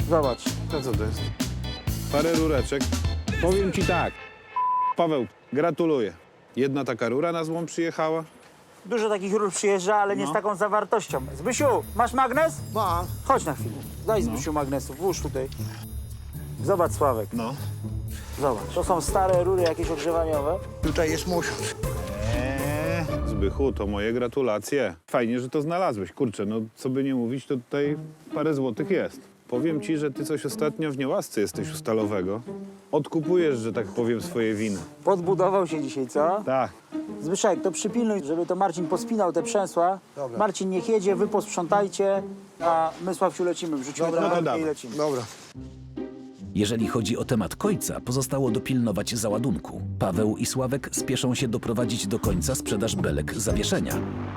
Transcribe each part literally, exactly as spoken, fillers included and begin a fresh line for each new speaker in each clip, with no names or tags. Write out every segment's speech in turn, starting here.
Zobacz.
To co to jest? Parę rureczek. Powiem ci tak. Paweł, gratuluję. Jedna taka rura na złom przyjechała.
Dużo takich rur przyjeżdża, ale nie
No.
z taką zawartością. Zbysiu, masz magnes?
Mam.
Chodź na chwilę. Daj Zbysiu magnesu, włóż tutaj. Zobacz, Sławek.
No.
Zobacz. To są stare rury jakieś ogrzewaniowe.
Tutaj jest musisz.
Eee, Zbychu, to moje gratulacje. Fajnie, że to znalazłeś. Kurczę, no co by nie mówić, to tutaj parę złotych jest. Powiem ci, że ty coś ostatnio w niełasce jesteś u Stalowego. Odkupujesz, że tak powiem, swoje winy.
Podbudował się dzisiaj, co?
Tak.
Zbyszek, to przypilnuj, żeby to Marcin pospinał te przęsła.
Dobra.
Marcin niech jedzie, wy posprzątajcie, a my, Sławciu, lecimy. Wrzucimy
Dobra,
do
no to
belki i
dawaj.
lecimy.
Dobra.
Jeżeli chodzi o temat końca, pozostało dopilnować załadunku. Paweł i Sławek spieszą się doprowadzić do końca sprzedaż belek zawieszenia.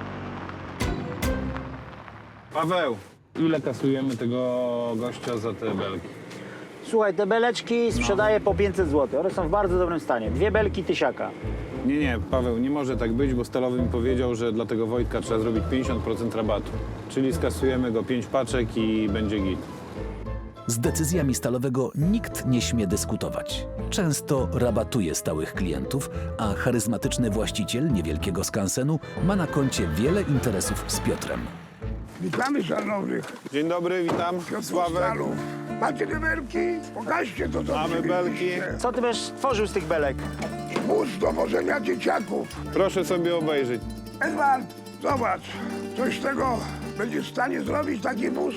Paweł, ile kasujemy tego gościa za te belki?
Słuchaj, te beleczki sprzedaję po pięćset złotych. One są w bardzo dobrym stanie. Dwie belki tysiaka.
Nie, nie, Paweł, nie może tak być, bo Stalowy mi powiedział, że dla tego Wojtka trzeba zrobić pięćdziesiąt procent rabatu. Czyli skasujemy go pięć paczek i będzie git.
Z decyzjami Stalowego nikt nie śmie dyskutować. Często rabatuje stałych klientów, a charyzmatyczny właściciel niewielkiego skansenu ma na koncie wiele interesów z Piotrem.
Witamy szanownych.
Dzień dobry, witam. Sławek.
Stalu. Macie te belki? Pokażcie to, co
Mamy
przywieźliście.
belki.
Co ty będziesz tworzył z tych belek?
Wóz do wożenia dzieciaków.
Proszę sobie obejrzeć.
Edward, zobacz. Coś z tego będzie w stanie zrobić taki wóz?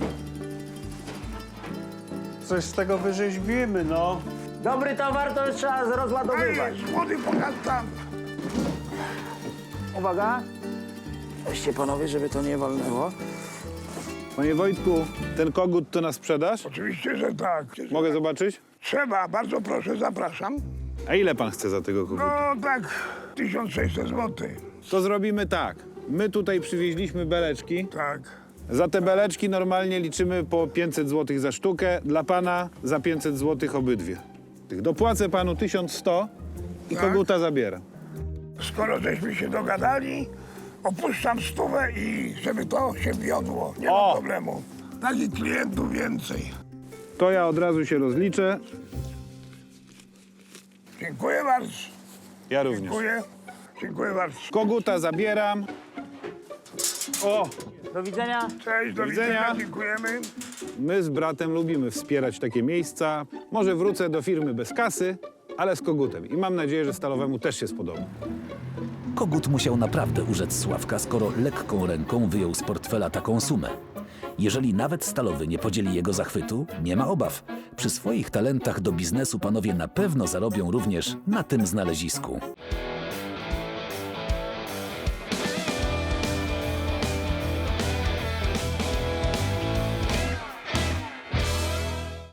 Coś z tego wyrzeźbimy, no.
Dobry towar to trzeba rozładowywać.
Ej, młody, pokaż tam.
Uwaga. Weźcie panowie, żeby to nie walnęło.
Panie Wojtku, ten kogut to na sprzedaż?
Oczywiście, że tak.
Mogę zobaczyć?
Trzeba, bardzo proszę, zapraszam.
A ile pan chce za tego koguta?
No tak, tysiąc sześćset złotych.
To zrobimy tak. My tutaj przywieźliśmy beleczki.
Tak.
Za te beleczki normalnie liczymy po pięćset złotych za sztukę. Dla pana za pięćset złotych obydwie. Tych Dopłacę panu tysiąc sto i
Tak?
koguta zabieram.
Skoro żeśmy się dogadali, opuszczam stówę i żeby to się wiodło. Nie
O!
ma problemu. Takich klientów więcej.
To ja od razu się rozliczę.
Dziękuję bardzo.
Ja również.
Dziękuję. Dziękuję bardzo.
Koguta zabieram. O!
Do widzenia.
Cześć, do
widzenia.
widzenia. Dziękujemy.
My z bratem lubimy wspierać takie miejsca. Może wrócę do firmy bez kasy, ale z kogutem. I mam nadzieję, że Stalowemu też się spodoba.
Kogut musiał naprawdę urzec Sławka, skoro lekką ręką wyjął z portfela taką sumę. Jeżeli nawet Stalowy nie podzieli jego zachwytu, nie ma obaw. Przy swoich talentach do biznesu panowie na pewno zarobią również na tym znalezisku.